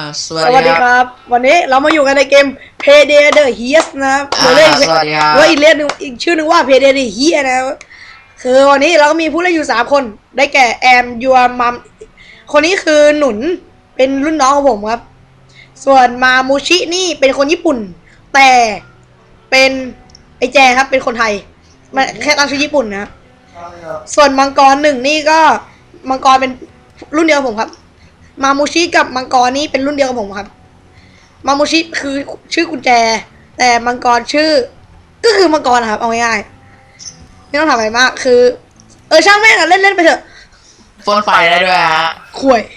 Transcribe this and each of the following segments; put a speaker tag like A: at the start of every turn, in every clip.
A: สวัส
B: สวัส
A: ดี
B: ดี
A: ค
B: ครับ รับวันนี้เรามาอยู่กันในเกม Payday the Heist นะครับเราเล่น
A: สวัสดีครับ
B: ว่าอีกเล่นหนึ่งอีกชื่อหนึ่งว่า Payday the Heist นะครับคือวันนี้เราก็มีผู้เล่นอยู่3คนได้แก่แอมยัวมัมคนนี้คือหนุนเป็นรุ่นน้องของผมครับ ส่วนมามูชินี่เป็นคนญี่ปุ่น แต่เป็นไอแจครับเป็นคนไทยมันแค่ตั้งชื่อญี่ปุ่นนะครับส่วนมังกรหนึ่งนี่ก็มังกรเป็นรุ่นเดียวกับผมครับมามูชิกับมังกรนี่เป็นรุ่นเดียวกับผมครับมามูชิคือชื่อกุญแจ แต่มังกรชื่อก็คือมังกรนะครับเอาง่ายๆไม่ต้องทำอะไรมากคือช่างแม่งอะเล่นไปเถอะ
A: ฟนไฟได้ด้วยฮะ
B: ข่วย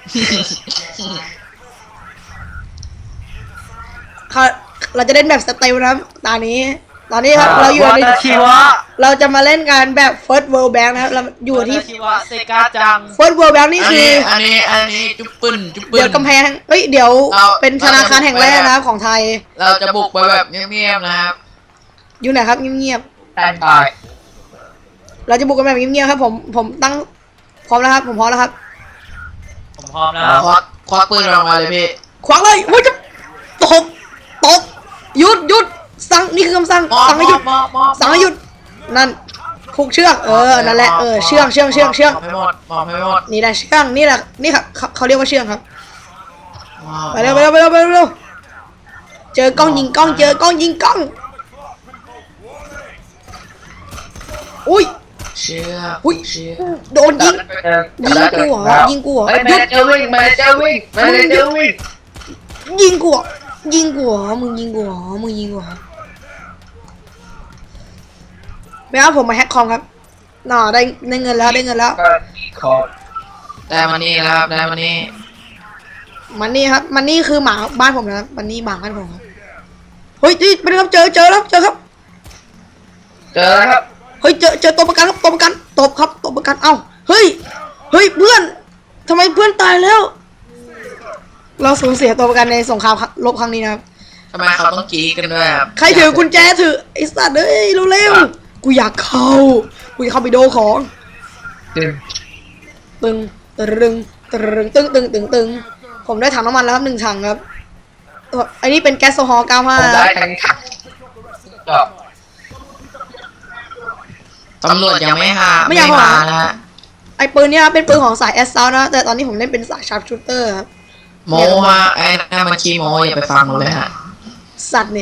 B: เราจะเล่นแบบสเตลนะครับตอนนี้ครับเราอยู่ในเราจะมาเล่นกันแบบ First World Bank นะครับเราอยู่ที่
C: เซกาจัง
B: First World Bank นี่คือ
A: อันนี้จุ๊บปืน
B: เดี๋ยวกำแพงเดี๋ยวเป็นธนาคารแห่งแรกนะครับของไทย
A: เราจะบุกไปแบบเงียบๆนะครับ
B: อยู่ไหนครับเงียบ
A: แตนบาย
B: ๆเราจะบุกกันแบบเงียบๆครับผมตั้งพร้อมแล้วครับผมพร้อมแล้วครับ
C: ผมพร้อมแล้ว
A: ควักปืนออกมาเลยพี่
B: ขวางเลยว่าจะตบหยุดสั่งนี่คือคำสั่งสั่งให้หยุดสั่งให้หยุดนั่นผูกเชือกนั่นแหละเชือก
A: มองให้หมด
B: นี่แหละเชือกนี่แหละนี่ครับเขาเรียกว่าเชือกครับไปเร็วเจอกล้องยิงกล้องอุ้ย
A: เชื่อ
B: อุ้ย
A: เชื่อ
B: โดนยิงกูเหรอหยุด
A: มันจะวิ่ง
B: ยิงกูเหรอมึงยิงกูเหรอไม่เอาผมมาแฮกคอมครับน่าได้เงินแล้ว
A: แต่มันนี่นะครับได้มันนี่
B: มันนี่คือหมาบ้านผมนะครับมันนี่หมาบ้านผมครับเฮ้ยไปเลยครับเจอครับ
A: ครับ
B: เฮ้ยเจอตัวประกันครับตัวประกันเอ้าเฮ้ยเพื่อนทำไมเพื่อนตายแล้ว เราสูญเสียตัวประกันในสงครามรบครั้งนี้นะครับ
A: ทำไมเขาต้องกรี๊ดกันด้วยครับ
B: ใครถือกุญแจถือไอ้สัตว์เอ้ยเร็วกูอยากเข้าไปโดของตึงผมได้ถังน้ำมันแล้วครับ1 ถังครับอันนี้เป็นแก๊สโซฮอล์95
A: ได้ทั้งถังตำรวจยังไม่มานะฮะ
B: ไอ้ปืนเนี้ยเป็นปืนของสายแอสซาวนะแต่ตอนนี้ผมเล่นเป็นสายชาร์ปชูเตอร์ครับ
A: โมฮะไอ้นั่นมันขี้โมอย่าไปฟังมันเลยฮะ
B: สัตว์เนี่ย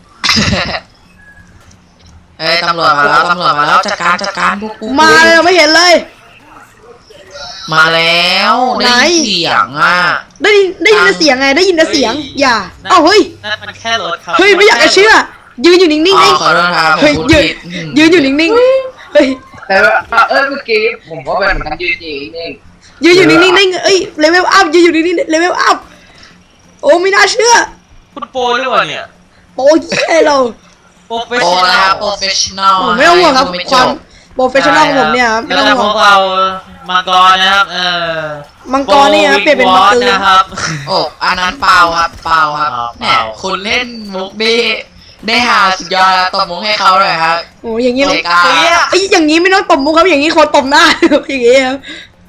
A: ตำรวจมาแล้วจัดการพวกกู
B: มาเลยไม่เห็นเลย
A: มาแล้วได้ยินเสียงอ่ะ
B: ได้ยินแต่เสียงไงได้ยินแต่เสียงอย่าเอ้าเฮ้ย
C: นั่นมันแค่รถครับ
B: เฮ้ยไม่อยากจะเชื่อยืนอยู่นิ่งๆ
A: ขอโทษครับ
B: เฮ้ยยืนอยู่นิ่งๆเฮ้ย
D: แต่ว่าเมื่อกี้ผมก็เป็นเหมือนกันยืนนิ่ง
B: ยืนอยู่นิ่งๆได้เอ้ยเลเวลอัพยืนอยู่นิ่งๆเลเวลอัพโอ้ไม่น่าเชื่อ
C: คุณโปรด้วยวะเนี่ย
B: โอ้ยแย่เรา
C: โปรเฟช
A: โอ้
C: ชั่น
A: แล้ว
C: อล
A: โปรเฟชชั่นอล
B: ไม่ต้องห่วงครับความโปรเฟชชั่นอลของผมเนี่ยไม่ต้อง
C: แล้ว
B: ห่
C: พ
B: วง
C: วกเรามังกรนะครับ
B: มังกรนี่ครับเปลี่ยนเป็นมังกร
C: นะครับ
A: โอ้อันนั้นเปล่าครับเนี่ยคุณเล่นมุกได้หาสุดยอดแล้วตบมุกให้เขาเลยครับ
B: โอ้อย่างงี้
A: เอกา
B: ไอ้อย่างงี้ไม่ต้องตบมุกครับอย่างงี้คนตบหน้า อย่างงี้ครับ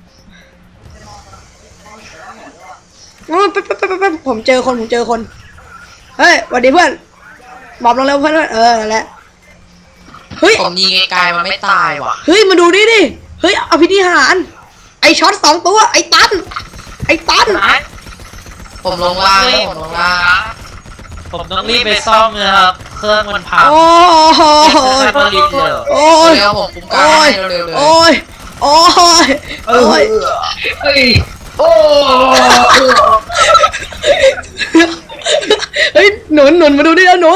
B: ไปผมเจอคนเฮ้ยสวัสดีเพื่อนบอกลงเร็วเพื่อนนั่นแหละเฮ้ย
A: ผมยิงไกลๆมันไม่ตายว่ะ
B: เฮ้ยมาดูดิเฮ้ยอภินิหารไอช็อต2 ตัวไอตัน
A: ผมลงล่าง
C: ผมต้องรีบไปซ่อมนะครับ เครื่องมันพัง
B: โอ้โห
C: ผลิตเลย
B: โอ้ย
A: เร็วผมคุ้มกันให้เร็วๆเลย
B: โอ้ย
D: ๆเฮ้ยโอ้
B: เฮ้ยหนุนมาดูดิแล้วหนุน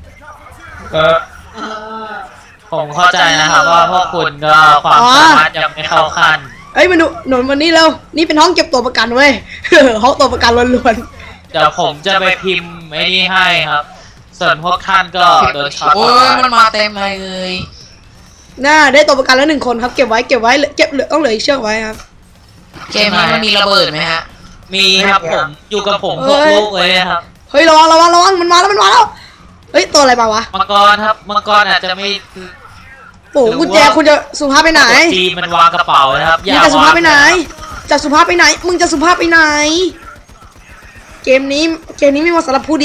C: ผมเข้าใจนะครับว่าพวกคุณก็ความสามารถยังไม่เข้าขั้น
B: เฮ้ยมาดูหนุนวันนี้แล้วนี่เป็นห้องเก็บตัวประกันเว้ย ห้องตัวประกันล้วน
C: เดี๋ยวผมจะไปพิมพ์ไอ้นี่ให้ครับ ส่วนพวกท่านก็โดนช็อต
A: โอ้ยมันมาเต็มเลย
B: ๆน่าได้ตัวประกันแล้ว1 คนครับเก็บไว้ต้องเหลืออีกเชือกไว้ครับ
A: เกมนี้มันมีระเบิดไหมฮะ
C: มีครับผมอยู่กับผมพวกลูกเลยครับ
B: เฮ้ยระวังมันมาแล้วเฮ้ยตัวอะไรมาวะ
C: มังกรครับมังกรอาจจะไม่
B: โอ้กุญแจคุณจะสุภาพไปไหน
C: จีมันวางกระเป๋านะครับ
B: มึงจะสุภาพไปไหนมึงจะสุภาพไปไหนเกมนี้ไม่เหมาะสำหรับผู้ดี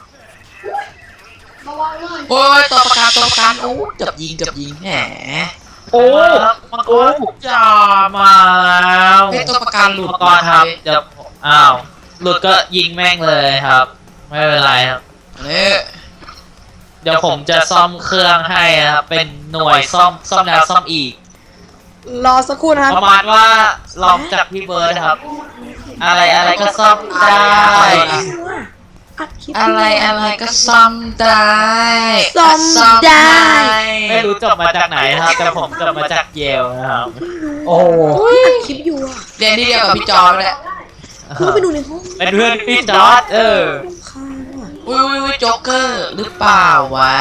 A: โอ้ยตัวประกันโอ้เกือบยิงแหม
C: โอ้มังกรจ่ามาแล้ว
A: เป็นตัวประกันหลุด
C: มังกรครับเดี๋ยวหลุดก็ยิงแม่งเลยครับ ไม่เป็นไรครับ
A: นี่
C: เดี๋ยวผมจะซ่อมเครื่องให้ครับเป็นหน่วยซ่อมแล้วซ่อมอีก
B: รอสักครู่นะครับ
C: ประมาณว่าลองจากพี่เบิร์ดครับ อะไรก็ซ่อมได้
B: อัดคลิป
A: อะไรก็ซ่อมได้
B: ซ่อมได้
C: ไม่รู้จบมาจากไหนครับ แต่ผมจบมาจากเยลนะครับ
D: โอ้
B: อัดคลิปอยู่อ่ะ
A: เรียนที่เดียวกับพี่จอร์จแหละ
B: คุณไปดูในห้อง
C: เป็นเพื่อนพี่จอร์ด
B: รำคาญว่ะ
A: อุ้ยโจ๊กเกอร์หรือเปล่าวะ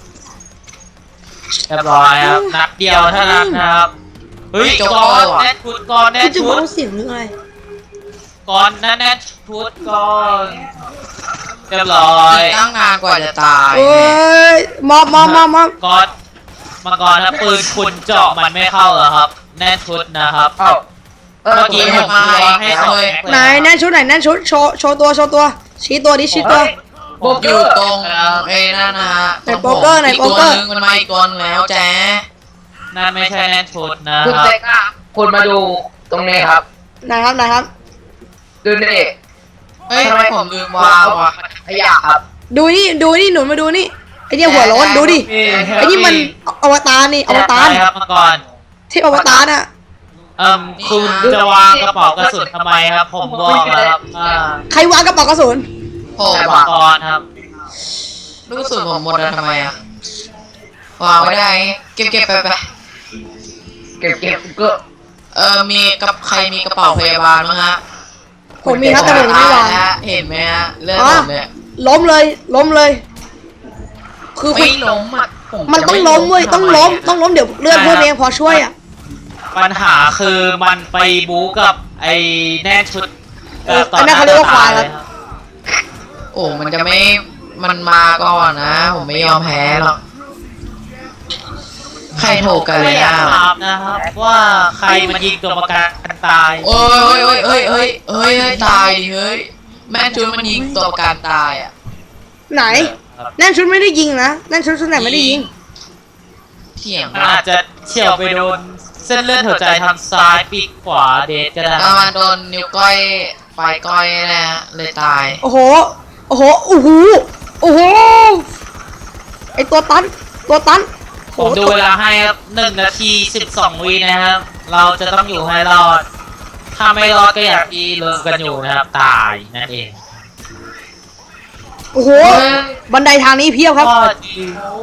C: เรียบร้อยครับนัดเดียวเท่านั้นนะครับเฮ้ยก่อนแน่นชุดก่อนแน่
B: คุ
C: น
B: ณจะ
C: ชุ
B: มา
C: ด
B: เอาเสียงหรืออะไร
C: ก่อนแน่นชุดก่อนเรียบร้อย
A: ตั้งนานกว่าจะตาย
B: เอ้ยมอบ
C: ก่อนมังกรนะปืนคุณเจาะมันไม่เข้าเหรอครับ แน่นชุดนะครับ
D: เอ้า
C: เมื่อกี้ผมวางให้สอง
B: ไหนแน่นชุดไหนแน่นชุดโชว์ตัวชี้ตัวดิชี้ตัว
A: ผมอยู่ตรงไอ้นั่นนะฮะ
B: ไหนโป๊กเกอร์ไหน
A: อีก
B: โป๊ก
A: ตัว
B: เกอร์
A: นึงมันมาอีกตัวนึงแล้วแจ๊
C: นั่นไม่ใช่แน่นชุดนะ
D: คุณ
C: ครับ
D: เจ๊กอะคุณมาดูตรงนี้ครับ
B: ไหนครับ
D: ดูนี่
A: เฮ้ยทำไมผมลืมวางวะ
D: ขยะครับ
B: ดูนี่หนุนมาดูนี่ไอเนี่ยหัวโล้นดูดิไอนี่มันอวตารนี่อวตาร
C: ใช่ครับมังกร
B: เทพอวตารน่ะ
C: คุณจะวางกระเป๋ากระสุนทำไมครับ ผมบอกแล้วครับ
B: ใครวางกระเป๋ากระสุน
A: ผม
C: มังกรครับ
A: รู้สึกผมหมดแล้วทำไมอะวางไม่ได้เก็บไป
D: เก็บก็
A: มีกับใครมีกระเป๋าพยาบาลมั้งฮะ
B: ผมมีครับแต่ผมยังไม่วาง
A: เห็นไหมฮะเลือดผมเนี่ย
B: ล้มเลย คือคุ
A: ไม่
B: ณ
A: ล้มอ่ะผ
B: มันต้องล้มเว้ยต้องล้มเดี๋ยวเลือดเพิ่มเองพอช่วยอ่ะ
C: ปัญหาคือมันไปบู๊กับไอ้แน่นชุด
B: อันนั้นเขาเรียกว่าควายครับ
A: โอ้มันจะไม่มันมาก่อนนะ ผมไม่ยอมแพ้หรอกใครโทรกัน
C: ไม่
A: เลย
C: อยาก
A: อ่ะ
C: ถามนะครับว่าใครมันยิงตัวประกันตาย
A: โอ้ยตายดิเฮ้ยแม่ชุดมันยิงตัวประกันตายอ่ะ
B: ไหนแน่นชุดไม่ได้ยิงนะแน่นชุดไหนไม่ได้ยิง
A: เถียง
C: มันอาจจะเฉี่ยวไปโดนเส้นเลือดหัวใจทางซ้ายปีกขวาเดทก็ได้
A: แล้วมันโดนนิ้วก้อยปลายก้อยนะฮะเลยตาย
B: โอ้โหไอตัวตัน
C: ผมดูเวลาให้ครับ1 นาที 12 วินะครับ เราจะต้องอยู่ให้รอด ถ้าไม่รอดก็อย่างที่รู้กันอยู่นะครับ ตายนั่นเอง
B: โอ้โหบันไดทางนี้เพียบครับ
C: ก็จริง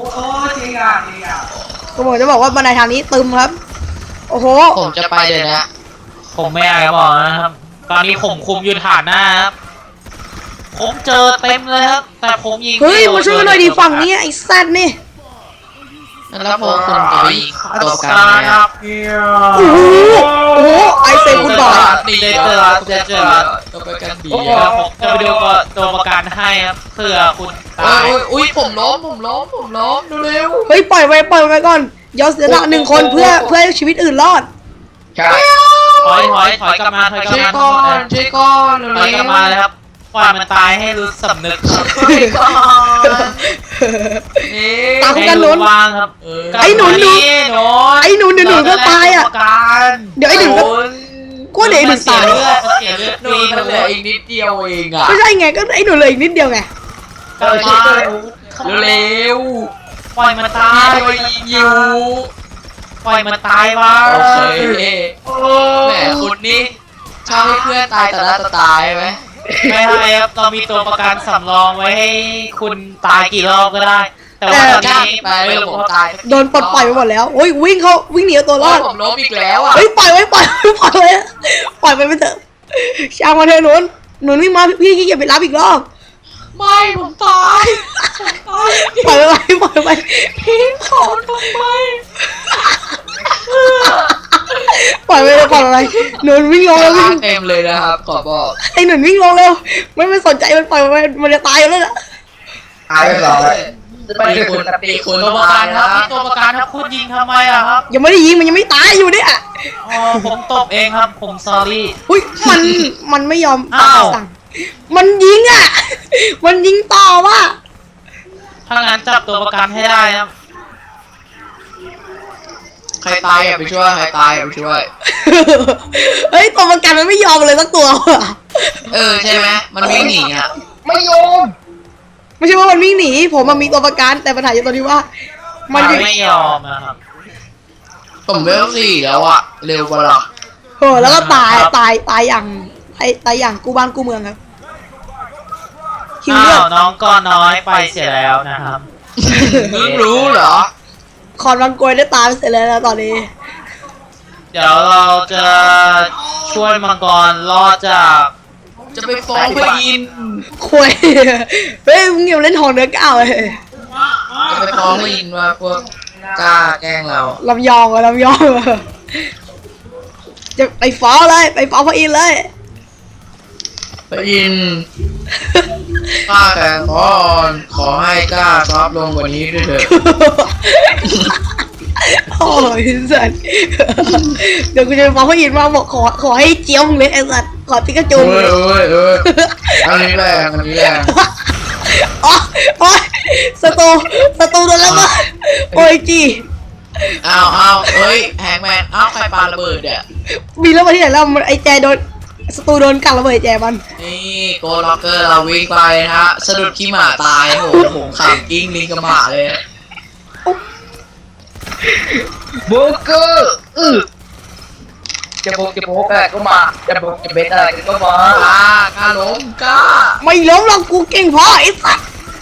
B: ก็ผมจะบอกว่าบันไดทางนี้ตึมครับ โอ้โห
A: ผมจะไปเดี๋ยวนะ
C: ผมไม่อยากจะบอกนะครับ ตอนนี้ผมคุมอยู่ฐานหน้าครับ ผมเจอเต็มเลยครับ แต่ผมยิง
B: เฮ้ยมาช่วยกันหน่อยดิฝั่งนี้ไอ้แซดนี่
A: แล้วพวกคุณจะไปยิงตัวประกัน
C: ตา
A: ไหม
C: ยค
A: ค
C: รั
A: รั
C: บบ
B: โอ้โหไอเซนคุณบอย
A: ตัวประกันดี
C: ผมจะไปดูตัวประกันให้ครับเผื่อคุณตาย
A: อุ้ยผมล้มดูเร็ว
B: เฮ้ยปล่อยไว้ก่อนยอมเสียละหนึ่งคนเพื่อให้ชีวิตอื่นรอด
D: ใช่
C: ถอยกลับมาถอยกลับ
A: ช่วย
C: มา
A: ก่อนช่วยก่อน
C: ถอยกลับมาเลยครับปล่อยมันตายให้รู้สำนึกครับ
A: นี่
B: ตาม กันหนุน
C: ให้รู้บ้างครับ
B: ไอ้หนุน
C: หนุน
B: ไอ้หนุนเดี๋ยวหนุนก็ตายอ่ะ
C: ตัวการ
B: เดี๋ยวไอ้หนุนก็กูเดี๋ยวไอ้หนุนตาย
C: มันเสียเลือด
A: หนูมันเหลืออีกนิดเดียวเองอ่ะ
B: ไม่ใช่ไงก็ไอ้หนุนเลยอีกนิดเดียวไง
C: กลับมา
A: เร็ว
C: ปล่อยมันตา
A: พี่
C: ย
A: ไปยิว
C: ปล่อยมันตายมา
A: โอเคแหมคุณนี่ชอบให้เพื่อนตายแต่ละตายไหม
C: ไม่ใช่ครับเรามีตัวประกันสำรองไว้ให้คุณตายกี่รอบก็ได้ แต่ว่าตอนนี้
A: ไปเลยผมตาย
B: โดนปลดปล่อยไปหมดแล้วโอ้ยวิ่งหนีเอาตัวรอด
A: ผมล้มอีกแล้วอ่ะ
B: เฮ้ยปล่อยไปเถอะช่างมาเถอะหนุนวิ่งมาพี่ขี้เกียจไปรับอีกรอบ
A: ไม่ผมตาย
B: ปล่อยไปพี่ขอทำไมปล่อยไปหนุนวิ่งลงแล้ววิ่ง
A: เต็มเลยนะครับขอบอก
B: ไอ้หนุนวิ่งลงเร็วไม่สนใจมันปล่อยมันจะตายแล้วน่ะ
D: ตายไปหรอไป
A: ตี
D: คุ
A: คุณ ณตีคุณ
C: ตัว
A: ป
C: ประ ระ
A: กั
C: กัน น
A: ค
C: ค
A: รั
C: รับบ ตัวประกันครับคุณยิงทำไมอะครับ
B: ยังไม่ได้ยิงมันยังไม่ตายอยู่เนี่ย
C: อ๋อผมตบเองครับผม sorry
B: อุ้ยมันไม่ยอม
C: อ้าว
B: สั่งมันยิงอ่ะ มันยิงต่อว่ะ
C: ถ้างั้นจับตัวประกันให้ได้ครับ
A: ใครตายอย่าไปช่วยใครตายอย่าไปช่วย
B: เฮ้ยตัวประกันมันไม่ยอมเลยสักตัวว่ะ
A: ใช่ไหมมันวิ่งหนีอ่ะ
D: ไม่ยอม
B: ไม่ใช่ว่ามันวิ่งหนีผมมันมีตัวประกันแต่ปัญหาอยู่ตรงที่ว่า มันยิง
C: ไม่ยอมนะครับ
A: ผมเวล4แล้วอ่ะเร็วกว่าหรอ
B: โอ้แล้วก็ตาย
C: ครับ
B: ตายอย่างตายอย่างกูบ้านกูเมืองครับคิว
C: อ้า
B: เลือ
C: ว
B: ด
C: น้องก็น้อยไปเสียแล้วนะครับ
A: มึงรู้เหรอ
B: คอนวังโกยได้ตายไปเสร็จแล้วนะตอนนี้
C: เดี๋ยวเราจะช่วยมังกรรอดจาก
A: จะไปฟ้องพระอินทร์
B: คุยเฮ้ยมึงอย่าเล่นทองเนื้อก้าวเลย
A: จะไปฟ้องพระอินทร์ว่าพวกกล้าแกล้งเรา
B: ลำยองอะลำยองอะจะไปฟ้องเลยไปฟ้องพระอินทร์เลย
A: พระอินทร์ข้าแต่ขอให้กล้าซอฟต์ลงกว่านี้ด้วยเถอะ
B: โอ้ยสัตว์เดี๋ยวกูจะไปฟ้องพระอินทร์มาบอกขอให้เจียวมึงเลยไอ้สัตว์ขอปิกาจู
A: เอ้ยอันนี้แรงอันนี้แรง
B: อ๋อโอ้ยสตูโดนแล้วมั้งโอ้ยจี
A: เอาเอ้ยแฮงแมนใครปาระเบิดเนี่ย
B: มีแล้วมาที่ไหนแล้วมันไอ้แจโดนสตูโดนกัดระเบิดแจมัน
A: นี่โกล็อกเกอร์เราวิ่งไปนะฮะสะดุดขี้หมาตายโหผมขำกิ้งลิงกับหมาเลย
D: โบเกอร์จะโบอะไรก็มาจะโบจะเบสอะไรก็มาก
A: ล้าล้มกล้า
B: ไม่ล้มหรอกกูเก่งพอไอ้สัตว์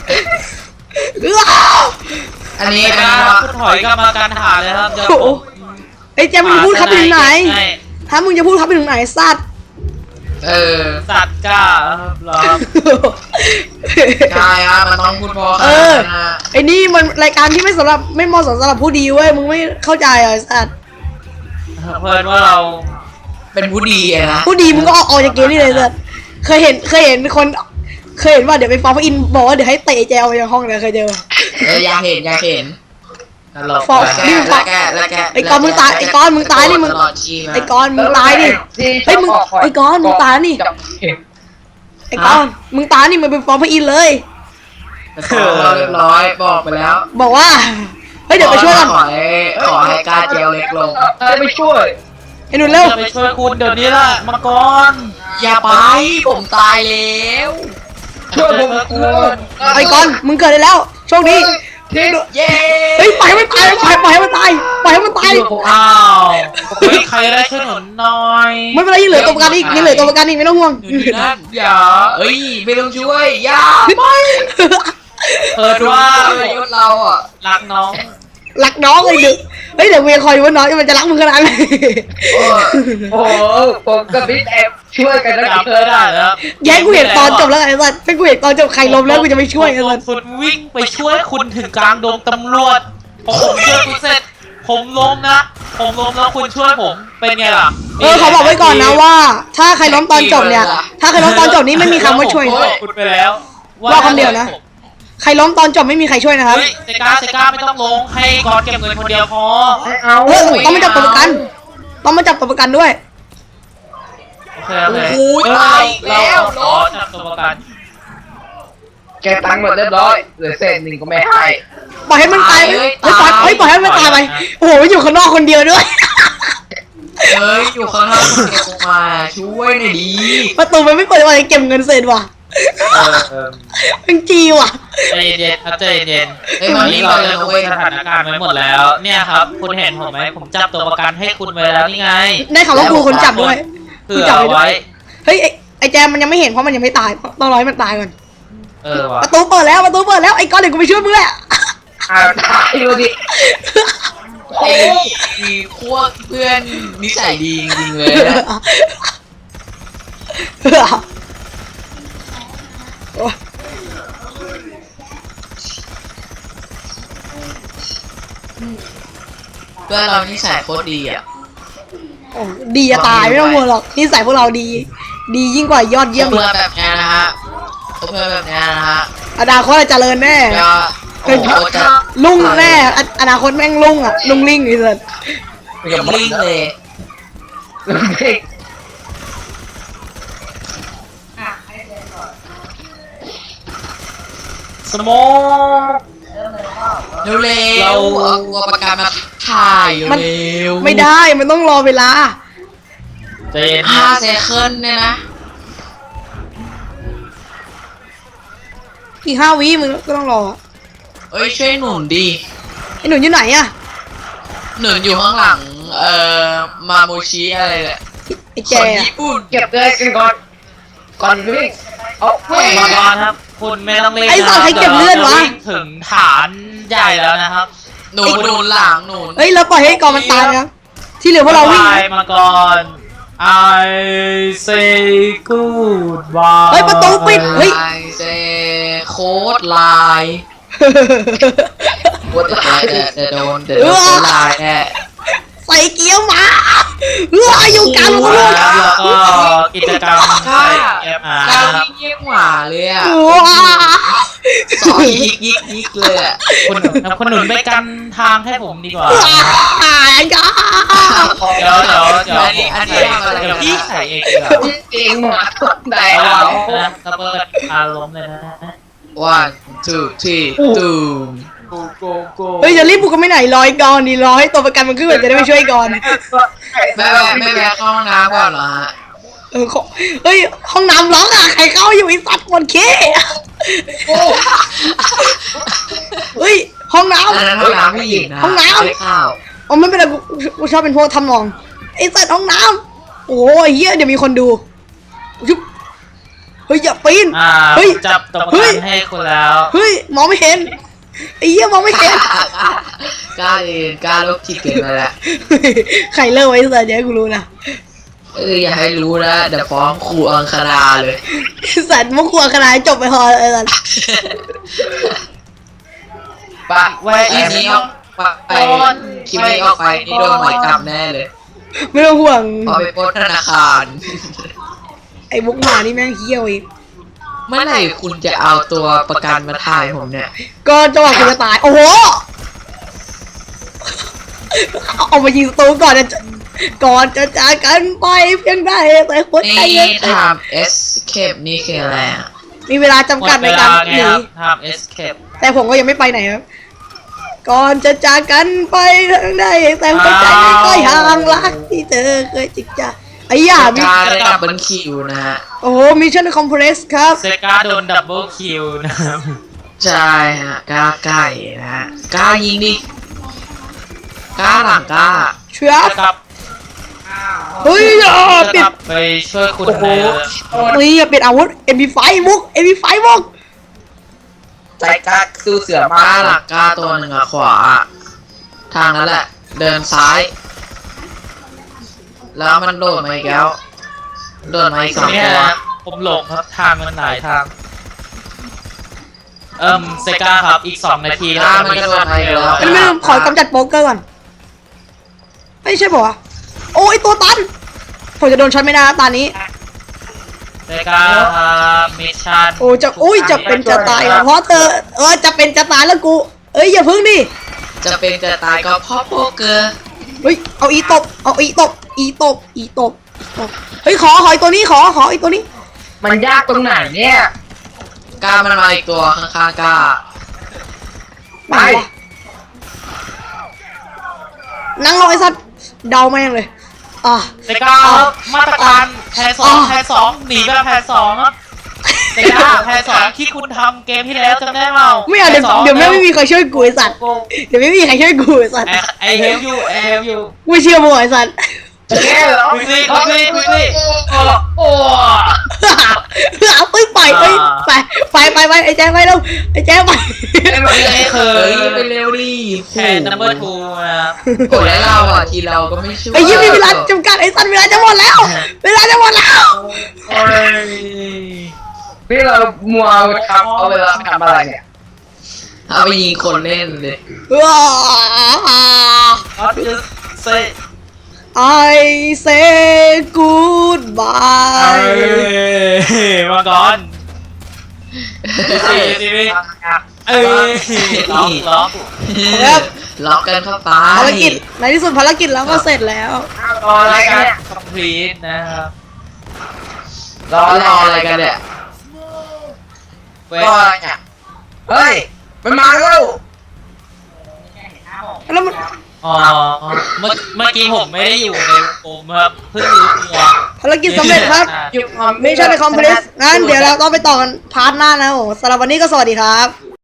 A: อันนี้
C: ไม่ได้
A: ว่า
C: คุณถอยกลับมาการหาเลยครับเดี๋ยว
B: โอ้โห
C: ผม
B: ไอ้แจมึงจะพูดครับไปถึงไหน
C: ให้
B: ถ้ามึงจะพูดครับไปถึงไหนสัตว์
C: สัตว์กล้าครับรอ
A: ใช่ฮะมันต้องพูดพอ
B: เออ
A: นะ
B: ไอ้นี่มันรายการที่ไม่เหมาะสมสำหรับผู้ดีเว้ยมึงไม่เข้าใจเหรอไอ้สัตว์
C: เพื่อนว่าเรา
A: เป็นผู้ดีอะนะ
B: ผู้ดีมึงก็ออกจากเกมนี่เลยสัตว์เคยเห็นคนเคยเห็นว่าเดี๋ยวไปฟ้องพระอินทร์บอกว่าเดี๋ยวให้เตะแจวไปจากห้องเลยเคยเจอ
A: อยากเห็น
C: ตลก
B: ฟอก
C: ไป
A: แล้วแก
B: ไอ้กอนมึงตายไอ้กอนมึงตายนี่มึง
A: ตลอดชีพ
B: ไอ้กอนมึงตายดิเฮ้ยมึงไอ้กอนมึงตายนี่ไอ้กอนมึงตายนี่มึงไปฟ้องพระอินทร์เลย
A: เรียบร้อยบอกไปแล้ว
B: บอกว่าเฮ้ยเดี๋ยวไปช่วยกัน
A: ขอให้กล้าเจลเล็กลง
D: จะไปช่วย
B: ไอ้หนุ่นเร็ว
C: จะไปช่วยคุณเดี๋ยวนี้ละมังกร
A: อย่าไปผมตายแล้ว
D: ช่วยผมก่อน
B: ไอ้กอนมึงเกิดได้แล้วโชคดี
D: ทิ้ง
A: เย้
B: เฮ้ยปล่อยให้มันตายปล่อยให้มันตายปล่อยให้มันตาย
C: อ้าวเฮ้ยใครได้ช่วยหนุนหน่อย
B: ไม่เป็นไรยังเหลือตัวประกันอีกยังเหลือตัวประกันอีกไม่ต้องห่วง
A: อยู่ดีนั่นอย่าไม่ต้องช่วยอย่าไม่
C: เปิดว่า
A: ยศเราอ่ะ
C: รักน้อง
B: รักน้องเลยดึกเฮ้ยเดี๋ยวเมียคอยดูว่าน้องมันจะรักมึงขนาดไหน
D: โอ้โหผมกับบิ๊กแอบช่วยกันนะ
C: จับไม่ได้แล้ว
B: แย่งกูเห็นตอนจบแล้วไอ้สัสถ้ากูเห็นตอนจบใครล้มแล้วกูจะไม่ช่วยไอ้สัส
C: คุณวิ่งไปช่วยคุณถึงกลางดงตำรวจพอผมช่วยคุณเสร็จผมล้มนะผมล้มแล้วคุณช่วยผมเป็นไงล่ะ
B: เขาบอกไว้ก่อนนะว่า ถ้าใครล้มตอนจบเนี่ย ถ้าใครล้มตอนจบนี้ไม่มีคำว่าช่วย
C: ผมบอกคุณไปแล้ว
B: ว่าคำเดียวนะ ใครล้มตอนจบไม่มีใครช่วยนะครับ
C: เฮ้ยเซก้าไม่ต้องลงให้กอนเก็บเงินคนเดียวพอ
D: เอา
B: เออต้องมาจับตัวประกันต้องมาจับตัวประกันด้วย
C: โอเคโอเค
A: โอ้ยตายแล้ว
C: ขอจับตัวประกัน
D: แกตังค์หมดเรียบร้อยเหลือเศษหนึ่งก็ไม่ให้
B: ปล่อยให้มันตายปล่อยให้มันตายไปโอ้โหอยู่ข้างนอกคนเดียวด้วย
A: อยู่ข้างนอกเก็บออกมาช่วยหน่อยดี
B: ประตูมันไม่เปิดอะไรเก็บเงินเสร็จว่ะ มันจีว่ะ
C: ใจเย็นครับใจเย็น
A: มันนี่
C: เรา
A: เรา
C: จะ
A: จะ
C: คุ
A: คุ
C: ย
A: ย
C: สถานการณ์ไว้หมดแล้ว เนี่ยครับ คุณเห็นผมไหมผมจับตัวประกันให้คุณไว้แล้วนี่ไง
B: ได้ข่าวว่ากูคนจับด้วย
C: เผื่อไว้
B: เฮ้ยไอ้แจมมันยังไม่เห็นเพราะมันยังไม่ตายต้องรอให้มันตายก่อน
C: ว่ะ
B: ประตูเปิดแล้วไอ้ก้อนเดี๋ยวกูไปช่วยมึงแหละ
D: ตายดูดิ
A: มีพวกเพื่อนนิสัยดีจริงๆเลยนะ เพื่อนเรานิสัยโคตรดีอ่ะ
B: โอ้ดีจะตายไม่ต้องห่วงหรอกนิสัยพวกเราดี ดียิ่งกว่ายอดเยี่ยม
A: เพื่อนแบบนี้นะฮะเพื่อนแบบนี้นะฮะ
B: อนาคตเจริญแน่
A: จะโอ้โหจะ
B: ลุ่งแน่อนาคตแม่งลุ่งอ่ะลุ่งลิ่งไอ้สัส
A: ลิงเลย
D: เด็ก
C: สโมก
A: เร็วๆ
C: เรา
A: เอาตัวประกันมาถ่ายเร็ว
B: ไม่ได้มันต้องรอเวลา
C: ใจเย็น
A: 5 เซคันด์เนี่ยนะ
B: อีก5 วิมึงก็ต้องรอ
A: เอ้ยช่วยหนุนดี
B: ไอ้หนุ่นอยู่ไหนอะ
A: หนุนอยู่ข้างหลังมาโมชิอะไรแหละ
B: ไอ้
A: ค
B: แจ
A: น
B: อะ
A: ญี่ปุ่น
D: เก็บเลยกันก่อนวิ่งเอาเว้ย
C: มังกรครับ คุณไม่ต้องเล่น
B: ไอ้สัตว์ใครเก็บเลือดวะ
C: ดี๋ยราจงถึงฐานใหญ่แล้วนะครับ
A: หนุนหลังหนุน
B: เฮ้ยเราปล่อยให้กองมันตายครับที่เหลือพวกเราวิ่ง
C: บยมังกร I say goodbye
B: เฮ้ยประตูปิด เฮ้ย
A: ไอเซโค้ดไลน์
D: ปวดหลัง
A: เดี๋ยวโดนไลน์แน่
B: ใส่เกียวมาอยู่กลางถนน
C: แล้วก็กิจกรรมใส่แอปอา
A: ก้าว
C: ครับ
A: ยิ่งหวาเลยอ่ะ
B: ว้า
A: สอยยิกเลยอ่ะ
C: คุณหนุนไปกันทางให้ผมดีกว่า
B: จ้า
C: เดี๋ยวเดี๋ยวพี่
A: ใส่
C: ใส่เองดีกว่า
D: จริงหมาต้นได้
C: ระ
D: เอา
C: วังนะระเบิดอารมณ์เลยนะ
A: 1 2 3ตูม
B: เฮ้ยจะรีบบุกกันไม่ไหนร้อยก่อนดีร้อยตัวประกันมันขึ้นมาจะได้ไปช่วยก่อน
A: ไม่แวะเข้าห้องน้ำก่อนเหรอฮะ
B: เฮ้ยห้องน้ำล็อกอะใครเข้าอยู่ไอ้สัตว์ปวดขี้เฮ้ยห้องน้
A: อันนั้นห้องน้ำผู้หญิงนะ
B: ห้องน้ำ
A: ไม่เข้า
B: ำอ๋อไม่เป็นไรกูชอบเป็นพวกทำนองไอ้สัตว์ห้องน้ำโอ้ยเฮียเดี๋ยวมีคนดูยุบเฮ้ยอย่าปีน เฮ้ย
C: จับตัวประกันให้คุณแล้ว
B: เฮ้ยมองไม่เห็นไอ้เหี้ยมองไม่เห็น
A: กล้าเองกล้าลบจิตเกินไปแล้ว
B: ใครเลิกไว้สัตว์อย่าให้กูรู้นะ
A: อย่าให้รู้นะเดี๋ยวฟ้องครูอังคณาเลย
B: ไอ้สัตว์มุกขวขนาดจบไปพอไอ้สัตว์
D: ปะ
C: แว
A: คลิปนี้ออกไปคลิปนี้ออกไปนี่โดนหมายจับแน่เลย
B: ไม่ต้องห่วง
A: พอไปปล้นธนาคาร
B: ไอ้มุกหมานี่แม่งเหี้ยวอีก
A: เมื่อไหร่คุณจะเอาตัวประกันมาถ่ายผมเนี่ย
B: ก็จังหวะกูจะตายโอ้โหเอามายิงศัตรูก่อนจะจากกันไปเพียงใดแต่หัวใจ
A: นี่
B: ยัง
A: ทำ escape นี่คืออะไรอ่ะ
B: มีเวลาจำกัดในการหนี
C: ทำ escape
B: แต่ผมก็ยังไม่ไปไหนครับ ก่อนจะจากกันไปทางใดแต่หัวใจไม่ค่อยห่างรักที่เธอเคยจิกจ้าไอ้ย่ามี
A: การได้ดับเบิลคิวนะฮะ
B: โอ้โหมิชชั่นคอมเพรสครับ
C: เซกาโดนดับเบิลคิวนะครับ
A: ใช่ฮะกล้าไก่นะฮะกล้ายิงดิกล้าหลังกล้า
B: เชื่อ
C: ครับ
B: เฮ้ยอย่าปิด
C: ไปช่วยคุณใน
B: นี่อย่าปิดอาวุธ MP5 มุก MP5 มุก
D: ใจกล้าสู้เสือก มาก
A: ล้าหลังกล้าตัวหนึ่งอะขวา ทางนั้นแหละ เดินซ้าย แล้วมันโดดมาอีกแล้วโดดมาอีก 2
C: เนี่ย
A: ตัว
C: นะผมหลงครับทางมันหลายทาง เซกาครับอีก2 นาทีแล้วจะมีขั้นเร็ว
B: ไม่ลืมขอกำจัดโป๊กเกอร์ก่อนไม่ใช่ป่ะโอ้ยตัวตันผมจะโดนช็อตไม่ได้นะตอนนี้
C: เซกาครับมิชชั่น
B: โอ้จะเป็นจะตายอ่ะเพราะเธอจะเป็นจะตายแล้วกูเอ้ยอย่าพึ่งดิ
A: จะเป็นจะตายก็เพราะโป๊กเกอร์
B: เฮ้ยเอาอีตบเฮ้ยขออีตัวนี้ขออีตัวนี้
D: มันยากตรงไหนเนี่ย
A: กล้ามันมาอีกตัวข้างๆกล้า
D: ไป
B: นั่งรอไอ้สัตว์เดาแม่งเลย
C: เซกาครับมาตรการแผน2หนีแบบแผน2ครับเซกาแผน2ที่คุณทำเกมที่แล้วจำได้เปล่า
B: ไม่เอาเดี๋ยวไม่มีใครช่วยกูไอ้สัตว์เดี๋ยวไม่มีใครช่วยกูไอ้สัตว์
C: ไอเฮลยู
B: ไม่เชื่อมึงไอ้สัตว์
D: แค่เหรอ
C: คุยสิโอ้
B: เอาไปไปไอ้แจ๊คไปแล้วไอ้แจ๊คไป
C: นี่คื
A: เฮ้
C: อย
A: ไปเร็วดิ
C: แผน number 2นะครับ
A: โอ้แล้วเราอ่ะทีเราก็ไม่ช่วย
B: ไอ้ยี่มีเวลาจำกัดไอ้สัตว์เวลาจะหมดแล้วเวลาจะหมดแล้ว
C: โอ้ย
D: พี่เรามัวทำเอาเวลาทำอะไรเนี่ย
A: เอาไปยิงคนเล่นเลย
C: ก็จะเซ
B: I say goodbye
C: มาก่อนสิล็อก
A: ล็อกกันเข้าไป
B: ภารกิจในที่สุดภารกิจเราก็เสร็จแล้ว
D: รออะไรกันเนี่ย
C: complete นะครับ
A: รออะไรกันเนี่ย
C: เว
D: รออะไรเนี่ยเฮ้ยมันมาแล้ว
B: แล้วมัน
C: อ๋อเมื่อกี้ผมไม่ได้อยู่ในกลุ่มครับเพิ่งรู้ตัว
B: ภารกิจสำเร็จครับ
D: อยู่ความ
B: ไม่ใช่ในคอมเพลสงั้นเดี๋ยวเราต้องไปต่อกันพาร์ทหน้านะโอ้สำหรับวันนี้ก็สวัสดีครับ